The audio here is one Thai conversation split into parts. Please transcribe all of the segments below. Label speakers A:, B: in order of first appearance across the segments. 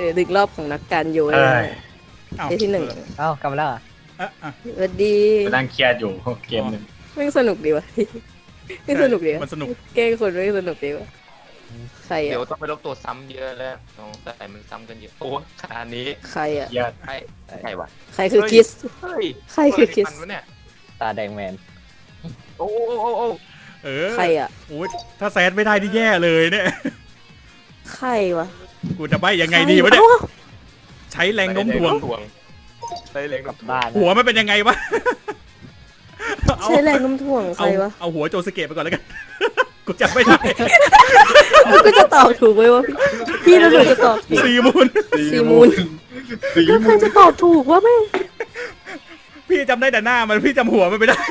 A: ดึกรอบของนักการโยน
B: เอ้ย
C: เอ้า
A: เอที่หนึ่ง
D: เอ้ากลับมาแล้วเหรอ
C: อ่ะ
A: สวัสดี
B: ไปนั่งเครียดอยู่เกมหนึ่ง
A: แม่งสนุกดีวะแม่งสนุกดีวะ
C: มันสนุก
A: แกล้งคนแม่งสนุกดีวะใคร
E: เดี๋ยว
A: อ่ะ
E: ต้องไปลบตัวซ้ำเยอะแล้วสงสัยมันซ้ำกันเยอะโอ้ขนาดนี้
A: ใครอ่ะ
B: เครียด
E: ใครวะ
A: ใครคือคิส
E: เฮ้ย
A: ใครคือคิส
E: ทันวะเนี่ย
D: ตาแดงแมน
E: โอ้โอ้โอ้โอ้
C: เออ
A: ใครอ่ะ
C: โอ้ยถ้าแซดไม่ได้นี่แย่เลยเนี่ย
A: ใครวะ
C: กูจะใบยังไงดีวะเนี่ย
A: อ้า
C: ใช้แรงโน้มถ่วง
E: ใช้แรง
D: กลั
E: กั
D: บบ บ้าน
C: หัวมันเป็นยังไงวะ เอา
A: ใช้แรงโน้มถ่วงใครวะ
C: เอาหัวโจสเกะไปก่อนแล้วกัน กูจำไม่ได้
A: มันก็จะตอบถูกไหมวะพี่แล้วหนูจะตอบถูก
C: ซีมูน
A: ซีมูน
B: สี
A: แล้วใคร
B: มูน
A: จะตอบถูกวะแม่ง
C: พี่จำได้แต่หน้ามันพี่จำหัวมันไม่ได้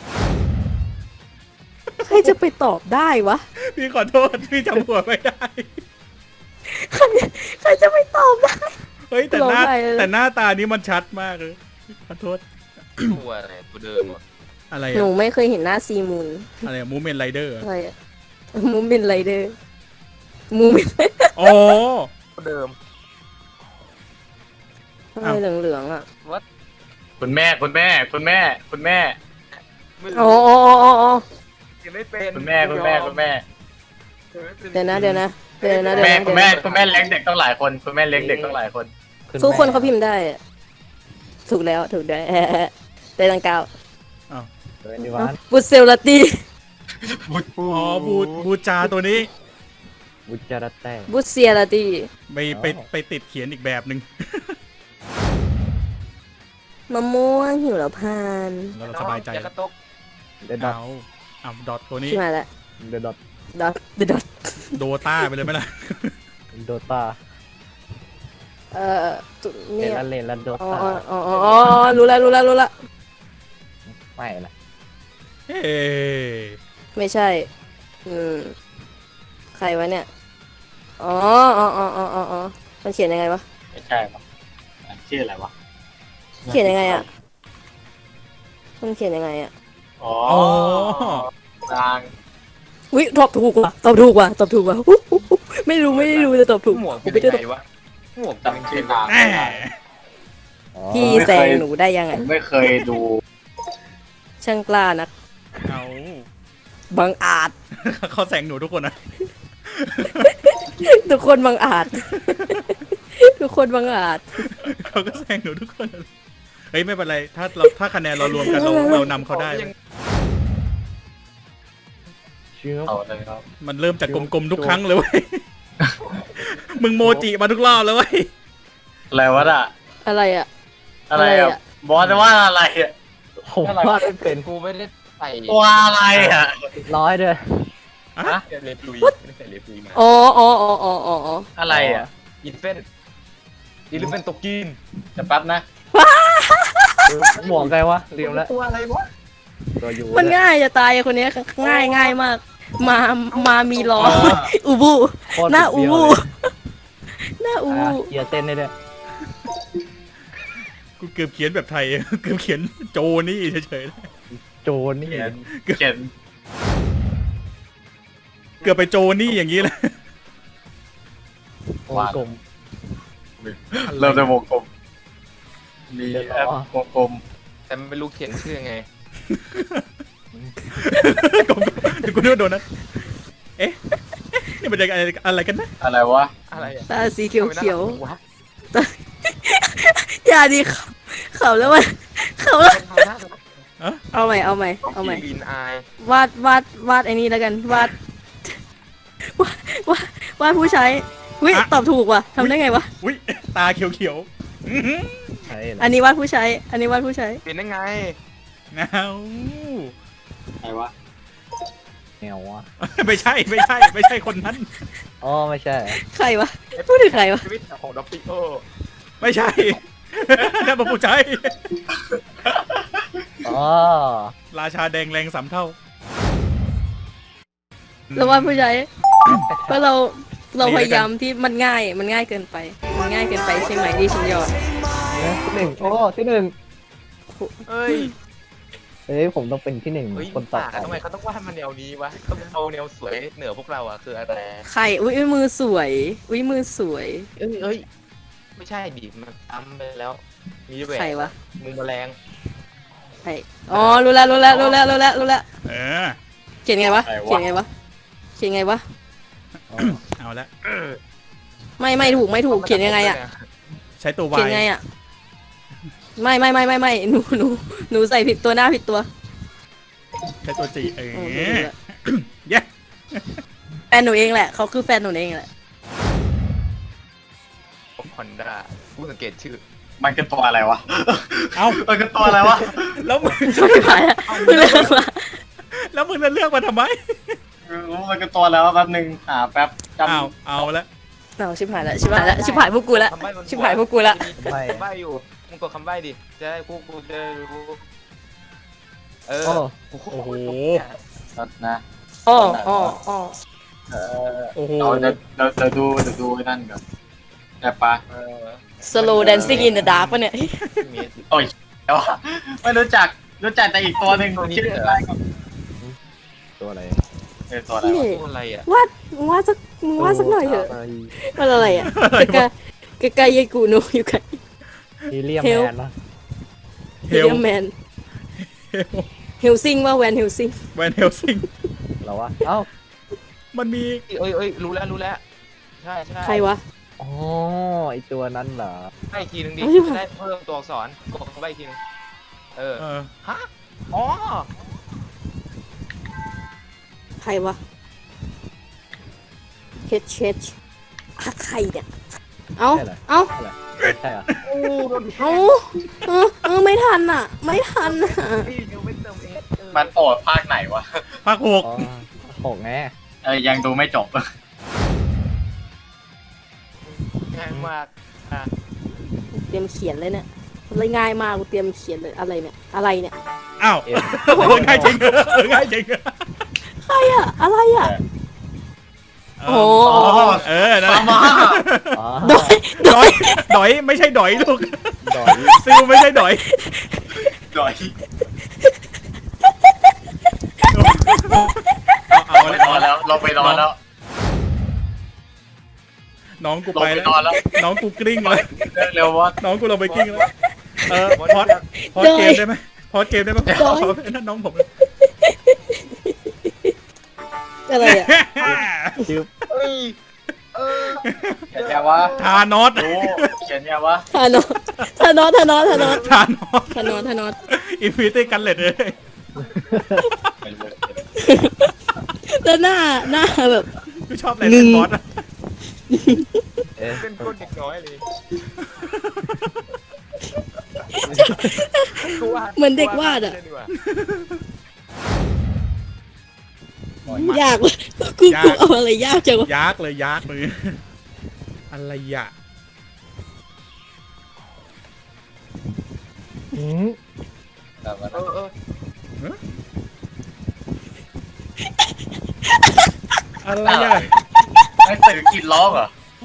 A: ใครจะไปตอบได้วะ
C: พี่ขอโทษพี่จำหัวไม่ได้
A: ใครจะไปตอบได้
C: เฮ้ยแต่หน้า
A: ร้องไห้เลย
C: แต่หน้าตานี้มันชัดมากเลยขอโทษ
E: ตัวอะไรตัวเดิมอะ
C: อะไร
A: หนู
C: อะ
A: ไม่เคยเห็นหน้าซีมูน
C: อะไรมูเมนไรเดอร์
A: อะไรอะมูเมนไรเดอร์มูเมน
C: อ๋อ
E: ตัวเดิม
A: อะไรเหลืองๆอ่ะ
B: คุณแม่คุณแม่คุณแม่คุณแม่
E: ไม่
A: อ๋อ
E: รู้
A: อ๋ออ๋ออ๋อ
E: ยังไม่เป็น
B: คุณแม่คุณแม่คุณแม่
A: เดี๋ยวนะเดี๋ยวนะเดี๋ยวนะ
B: คุณ
A: เดี๋ยว
B: แม่
A: นะ
B: คุณแม่คุณแม่เลี้ยงเด็กต้องหลายคนคุณแม่เลี้ยงเด็กต้องหลายคน
A: ทุกคนเขาพิมพ์ได้อะถูกแล้วถูกได้ได้ตังเก้า
D: เดินดีวาน
A: บุตเซลลาตี
C: อ๋อบูจาตัวนี้
D: บุจาระแต้
A: บุตเซียลาตี
C: ไปติดเขียนอีกแบบหนึ่ง
A: มะม่วงหิวแล้วพาน
C: แล้วเราสบายใจ
E: อย่ากระตก
D: เดอะดอท
C: เอาดอทตัวนี้
A: ที่มาแล้ว
D: เดอะดอท
A: ดอทดอท
C: โดต้าไปเลยไหมล่ะ
D: โดตา
A: จุด
D: เล
A: เนี่
D: น
A: ย
D: ละเลนละโด
A: อ๋อ
D: ตา
A: อ๋ออ๋ออ๋อรู้แล้วรู้แล้วรู้แล้ว
D: ไม่ละ
C: เฮ้
A: ไม่ใช่ใครวะเนี่ยอ๋ออ๋ออ๋ออ๋ออ๋อมันเขียนยังไงวะ
B: ไม่ใช่หรอกชื่ออะไรวะ
A: เขียนยังไงอ่ะมันเขียนยังไงอ่ะ
B: อ๋อ
C: อ๋อ
B: นาง
A: วิตอบถูกว่ะตอบถูกว่ะตอบถูกว่ะอุ๊ยอุ๊ยอุ๊ยไม่รู้ไม่ได้รู้จะตอบถูก
E: หมวก
A: กู
E: เป็น
A: ไม่ได้
E: ยัง
A: ตอบ
E: ไงวะหมวก
B: จำชื่อนาง
C: แห
B: ไม่
C: ม
B: ได้
D: อ๋อ
A: พี่แซงหนูได้ยังไง
B: ผมไม่เคยดู
A: ช่างกล้านัก
C: เอา
A: บังอาจ
C: เขาแซงหนูทุกคนนะ
A: ทุกคนบังอาจ ทุกคนบังอาจ
C: เขาก็แซงหนูทุกคนนะเฮ้ยไม่เป็นไรถ้าคะแนนเรารวมกันเรานำเขาได้
D: ชื่อ
B: เอาเลยครับ
C: มันเริ่มจากกลมๆทุกครั้งเลยเว้ย มึงโมจิมาทุกรอบเลยเว้ย
B: อะไรวะน่ะ
A: อะไรอ่ะ
B: อะไร
A: อะไร
B: อ่ะ
A: อะ
B: บอสว่าอะไรอ่ะ
D: ผมว่าไม่เป็น
E: กูไม่ได้ใส่
B: ตัวอะไรอ่ะ
D: ร้อยเด้อ
C: อะ
E: เลฟลุยไม่ได้ใส่เลฟลุยมา
A: อ๋ออ๋ออ๋ออ๋ออ๋อ
B: อะไรอ่ะ
E: อินเฟนอินเฟนตกกิน
B: จะแป๊บนะ
D: หมวกไงวะลืมแล้ว
E: ตัวอะไรวะ
D: ตัวอยู่
A: มันง่ายจะตายคนเนี้ยง่ายง่ายมาก มามีล้ออูบู
D: โคตร
A: หน้าอู
D: เบี้ยว
A: บู
D: เลย
A: หน้าอู
D: อ่ะ
A: บู
D: เกียร์เต้นได้ด้วย
C: กูเกือบเขียนแบบไทย เกือบเขียนโจนี่เฉย
D: โจรนี่
B: เขียนเขียน
C: ๆ เกือบไปโจนี่อย่างนี้เลย
D: วงกลม
B: เริ่มจากวงกลมมีแอปวงกลม
E: แต่ไม่รู้เขียนชื่อไง
C: เดี๋ยวกูนึกว่าโดนนะเอ๊ะนี่มันจะอะไรกันนะ
B: อะไรวะ
E: อะไรอะ
A: ตาสีเขียวเขียว
E: วะ
A: อย่าดีเขาแล้วมันเขาแล้วเอาใหม่เอาใหม่เอาใหม่
E: ลินอาย
A: วาดไอ้นี่แล้วกันวาดวาดผู้ใช้วิตอบถูกว่ะทำได้ไงวะ
C: อุ้ยตาเขียวๆอื้อหือ
D: ใช่
A: อันนี้วาดผู้ใช้ อันนี้วาดผู้ใช้
E: เป็นได้ไง
C: เงา
B: อะไรวะ
D: แนววะ
C: ไม่ใช่คนนั้น
D: อ๋อไม่ใช่
A: ใครวะพูดถึงใครวะ
E: ชีวิตของด็อกปิโอ
C: ไม่ใช่ นั่นเป็นผู้ใช้
D: อ๋อ
C: ราชาแดงแรงสามเท่า
A: แล้ววาดผู้ใช้เพราะเราพยายามที่มันง่ายเกินไป มันง่ายเกินไปใช่ไหมที่ฉันยอม
D: ที่หนึ่งโอ้ที่หนึ่ง
E: เอ้ย
D: เฮ้ยผมต้องเป็นที่หนึ่ง
E: เฮ้ย
D: คนต่อ
E: ป่า
D: ไป
E: ทำไมเขาต้องวาดมันแนวนี้วะต้องเอาแนวสวยเหนือพวกเราอะคืออะไร
A: ใครอุ้ยมือสวยอุ้ยมือสวย
E: เอ้ยไม่ใช่ดิมันซ้ำไปแล้ว มีแหว
A: ใคร
E: น
A: วะ
E: มือแมลง
A: ใครอ๋อรู้แล้วรู้แล้วรู้แล้วรู้แล้วรู้แล้ว
C: เออ
A: เขียนไงวะเขียนไงวะเขียนไงวะ
D: อ๋อ
C: เอาละ
A: ไม่ถูกไม่ถูกเขียนยังไงอะ
C: ใช้ตัววา
A: เขียน
C: ย
A: ไงอะไม่หนูใส่ผิดตัวหน้าผิดตัว
C: ใช้ตัวจีเอ
A: โอเค
C: อ
A: ถูกแล้ว
C: เย้
A: แฟนหนูเองแหละเขาคือแฟนหนูเองแหละ
E: ฮอนด้าผู้สังเกตชื่อ
B: มันคือตัวอะไรวะ
C: เอ้า
B: มันคือตัวอะไรวะ
C: แล้วมึง
A: ไม่ไหวอะเลือกมา
C: แล้วมึงจะเลือกมาทำไม
B: รู้มันคือตัวอะไรวะแป๊บนึงแป๊บจำ
C: เอาละ
A: เอาชิบหายแล้วชิบหายแล้วชิบหายพวกกูละ
E: คำใบ้บน
A: ชิบหายพวกกูละ
E: คำใบ้อยู่มึงกดคำใบ้ดิจะได้กูจะได้รู้เออ
D: โอ้
E: โอ้โห
C: โอ้โห
B: นะ
A: อ๋อ
B: เออ
C: โอ้โห
B: เราดูไอ้นั่นก่อนแต่ปะ
E: เออ
A: slow dancing in the dark ปะเนี่ย
E: มี
B: แต่ว่าไม่รู้จักแต่อีกตัวหนึ่งชื่ออะไรก่อน
D: ตัวอะไร
B: ตัวอะไร
A: นี่
B: วะ
E: ตัวอะไรอ่ะ
A: มึงวาดสักหน่อยเถอะ
D: ไร
A: มันอะไรอ่ะใกล้ๆยายกูโนอยู่ไกล
D: ฮีเลียม
A: เฮล
D: แมนนะ
C: เฮ
A: เฮี
C: ล
A: ยแมนเฮลซิงว่าแวนเฮลซิง
C: แวนเฮลซิง
D: เหรอวะเอ้า
C: มันมี
E: เอ้ยรู้แล้วใช่
A: ใครวะ
D: อ๋อไอตัวนั้นเหรอ
E: ใบ้อีกทีนึงดิ
A: เอาดิ
E: จะได้เพิ่มตัวอักษรกดคำใบ้อีกทีนึงเออ
C: เออ
E: ฮะอ๋อ
A: ใครวะเฮดใครเนี่ยเอ้า
D: ใช่เหรอ
A: เอ้า
D: ใช่เหรอ
E: โอ้โดน
A: เอ้าไม่ทันอ่ะ ไม่ทันอ่ะ
E: พี่ยังไม่เติมเอส
B: มันโปรดภาคไหนวะ
C: ภาคหก
D: อ๋อหกไง
B: ยังดูไม่จบ
E: ง่ายมากอ่ะ
A: เตรียมเขียนเลยเนี่ยเลยง่ายมากกูเตรียมเขียนเลยอะไรเนี่ย
C: อ้าว
D: เอ็ม
C: ง่ายจริงง่ายจริง
A: ใครอ่ะอะไรอ่ะ โอ้
C: เออนั่นแหละ
B: มา
D: อ๋อ
A: โดย
C: ดอยไม่ใช่ดอยลูก
D: ดอย
C: ซิลไม่ใช่ดอย
B: ดอย
C: เอา
B: ไป
C: แล้ว
B: นอนแล้วลงไปนอนแล้ว
C: น้องกู
B: ลง
C: ไป
B: ไป
C: แล้ว
B: นอนแล้ว
C: น้องกูกลิ้งแล้ว
B: เร็ววะ
C: น้องกูลงไปกลิ้งแล้วพอดเกมได้ไหมพอดเกมได้ไหมนั่นน้องผม
A: อะไรอ่ะ
D: ชื่อ
E: เอ้ยเออ
B: เขียนไงวะ
C: ทานอส
B: ดูเขียนไงวะ
A: ทานอส
C: ทานอสอินฟินิตี้กันเลตเลย
A: แล้วหน้าแบบ
C: กูชอบอะไรเป็นบอสอะ
D: เอ๊ะ
E: เป็นคนเด็กน้อยเลย
A: เหมือนเด็กวาดอ่ะ ยากว่ะกูเอาอะไรยากจังวะ
C: ยักเลยอะไรอะ
D: หืม
E: เออ
C: อะไรอะ
B: ไอ้ตื่นกินร้องเหรอ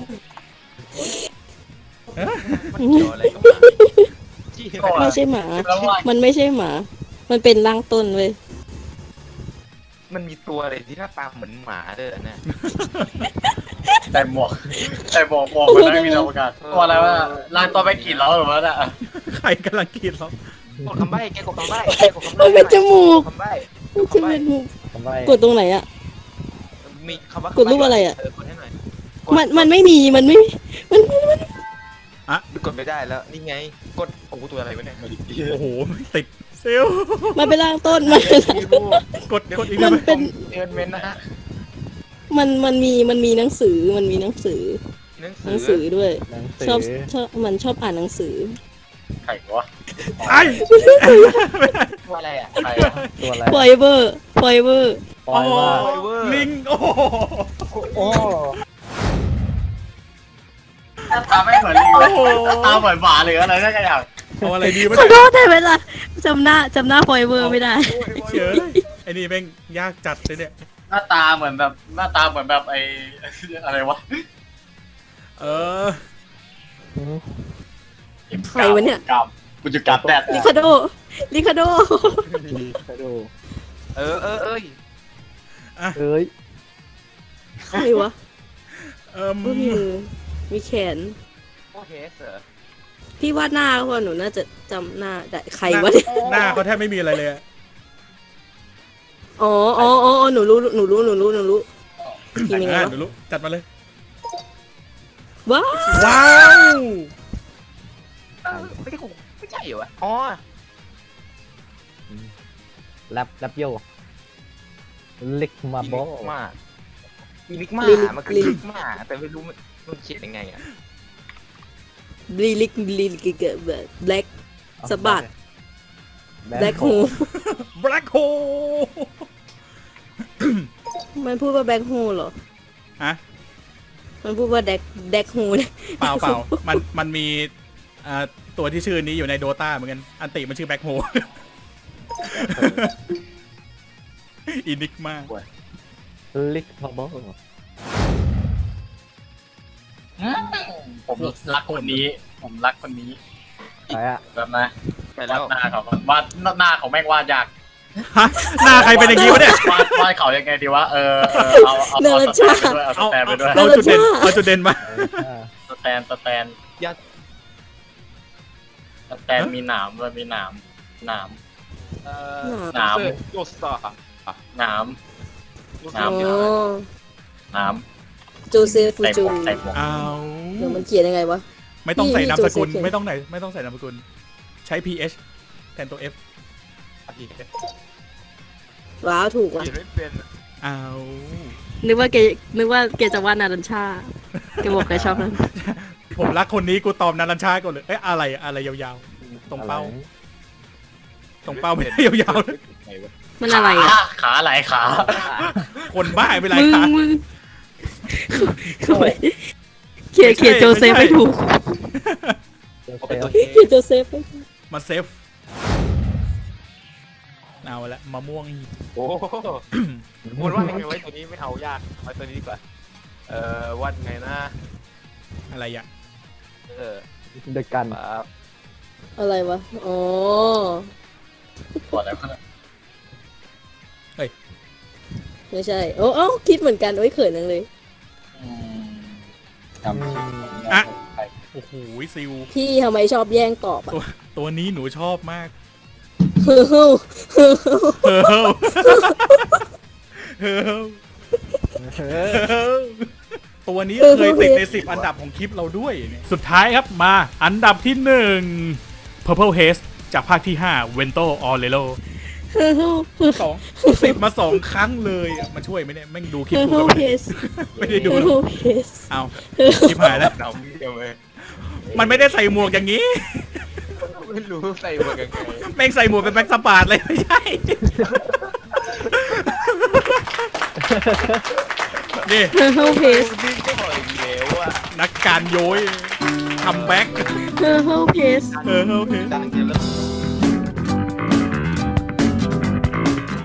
E: มันเกี่ยวอะไรกับมันจี้
A: ไม่ใช่หมา
B: แล้วว่า
A: มันไม่ใช่หมา มันเป็นร่างต้นเว้ย
E: มันมีตัวอะไรที่หน้าตาเหมือนหมาเด้อเนี่ย
B: แต่หมวกมันไม่มีอวกาศตัวอะไรวะลานตัวไปกินร้องหรือวะน่ะ
C: ใครกำลังกินเรา
E: กดคำใบ้แกกดคำใบ้
A: มันเป็นจมูก
E: คำใบ้
A: มันจะเป็นมุม
D: ทำไม
A: กดตรงไหนอ่ะ
E: มีคำว่าก
A: ดรูปอะไรอะ
E: กดให้หน่อย
A: มันไม่มีมัน
E: กดไม่ได้แล้วนี่ไงกดโอ้ตัวอะไรวะเนี่ย
C: โอ้โหติดเซล
A: มันเป็นร่างต้นมัน
E: มีรูป
C: กดอีก
A: มัน
C: ได้ไหม
A: เป็น
E: เอินเมนนะฮะ
A: มันมีหนังสือหนังสือด้วย
D: หนัง
A: ชอบ
D: สือ
A: มันชอบอ่านหนังสือ
B: ไข่วะ
C: ไอ้
E: ว่าอะไรอ่ะ
B: ไข่
D: ตัวอะไร
A: forever
D: ปล่อยว่า
C: ลิงโอ้
D: โอ้
B: ตาไม่เหมือนลิงเลยตาเหมือนหมาหรืออะไรสักอย่าง
C: เอาอะไรดีวะ
A: ขอ
C: เนี่ย
A: โทษได้ไหมล่ะจำหน้า forever ไม่ได้
C: เฉยไอ้นี่แม่งยากจัดเลยเนี่ย
B: หน้าตาเหมือนแบบไอ้อะไรวะ
C: เออ
D: หืม
A: ใครวะเนี่ย
B: กับกูจะกัดแดด
A: ลิคาโด
D: ดีไปดู
E: เอ้ย
D: เอ้ย
A: ใครวะ
C: เออ
A: มีมือมีแขน
E: โอเคเสอ
A: พี่วาดหน้าเขาว่าหนูน่าจะจำหน้าได้ใครวะเนี่ย
C: หน้าเขาแทบไม่มีอะไรเลยอะ
A: อ๋อหนูรู้ทีมยังไง
C: อ่ะ
A: วะ
C: เดี๋ยวรู้จัดมาเลย
A: ว้าว
C: ว้าว
E: ไม่ใช่ของไม่ใช่เหรอวะอ๋อ
D: แรปโยลิกมา
E: อี
D: โบ
E: ลิกมาอีลิกมามันคืออีลิกมาแต่ไม่รู้มันเขียนยังไงอ่ะ
A: ลิลิกเกิดแบบแบล็กสะบัดแบล็กฮู
C: แบล็คโฮ
A: มันพูดว่าแบล็กฮูเหรอ
C: ฮะ
A: มันพูดว่าแดกฮูเนี่ย
C: เปล่ามันมีตัวที่ชื่อนี้อยู่ในโดตาเหมือนกัน อันติมันชื่อแบล็คโฮ อินิกมา
D: ลิกมาโบ
B: ผมรักคนนี้ ผมรักคนนี้
D: ใครอะ
B: แบบนะ
E: ไปแล้ว
B: วาดหน้าเขาวาดหน้าของแม่งวาดยาก
C: ฮะ หน้าใครเป็นอย่างนี้วะเนี่ย
B: วาดเขายังไงดีวะเอาสแตนไปด้วย
C: เอาจุดเด่นมา
B: สแตน
E: ยัด
B: สแตนมีหนามด้วยมีหนาม
E: หนาม
B: โยสตาหนาม
A: อ๋อ
B: หนาม
A: โจเซฟฟู
B: ใส่หม
A: จู
B: วกใส่หมวก
C: เอา
A: เดี๋ยวมันเขียนยังไงวะ
C: ไม่ต้องใส่นามสกุล
A: นี่
C: ไม่ต้องใส่นามสกุล ใช้ ph แทนตัว f
E: อีก
A: ว้าวถูกว่ะ
E: เขียนไม่เป็น
C: เอา
A: นึกว่าแกจะวาดนารัญชาแกบอกแกชอบนั้น
C: ผมรักคนนี้กูตอบนารัญชาก่อนเลย เอ้ยอะไรยาวๆ ตรงเป้า ตรงเป้าไม่ได้ยาวๆเลย
E: ไงวะ
A: มันอะไรอ่ะ
B: ขาไหลขา
C: คนบ้าไปไร
A: มึง
C: คะ
A: เขียนโจเซฟไม่ถูก
E: เป็นตัว
A: เขียนโจเซฟไม่ถูก
C: มาเซฟ เอาละมะม่วง
E: โอ้มูลว่าไงไว้ตัวนี้ไม่เอายากไว้ตัวนี้ดีกว่าวัดไงนะ
C: อะไรอ่ะ
D: เดกัน
E: ครับ
A: อะไรวะ อ๋อ
B: ตัวอะไรวะ
A: ไม่ใช่ โอ้เอ้าคิดเหมือนกัน โอ้ยเขินนังเลย
B: จำชื่อ
C: อ่ะ โอ้โหซิล
A: พี่ทำไมชอบแย่งตอบอ่ะ
C: ตัวนี้หนูชอบมาก
A: เฮ้อ
C: เฮ้อเฮ้อตัวนี้เคยติดใน10 อันดับของคลิปเราด้วยเนี่ยสุดท้ายครับมาอันดับที่ 1 Purple Haze จากภาคที่ 5 Vento Aurelio ติดมา 2 ครั้งเลยอะมาช่วยไหมเนี่ยแม่งดูคลิปกูกันไหมไม่ได้ดูหรอกเอาคลิปหายแล้ว
E: หนาวเดียวเลย
C: มันไม่ได้ใส่หมวกอย่างนี้
E: ไม่รู้ใส่หมวกยังไง
C: แม่งใส่หมวกเป็นแบ็คสปาร์ตเลยไม่ใช่ นี่
A: เฮ้อเพส
E: นี่ก็บอกอีกแล้วอ่ะ
C: นักการโย้ยคัมแบ็ก
A: เฮ้อเพส
C: โอเค
E: ดังเกินแล้ว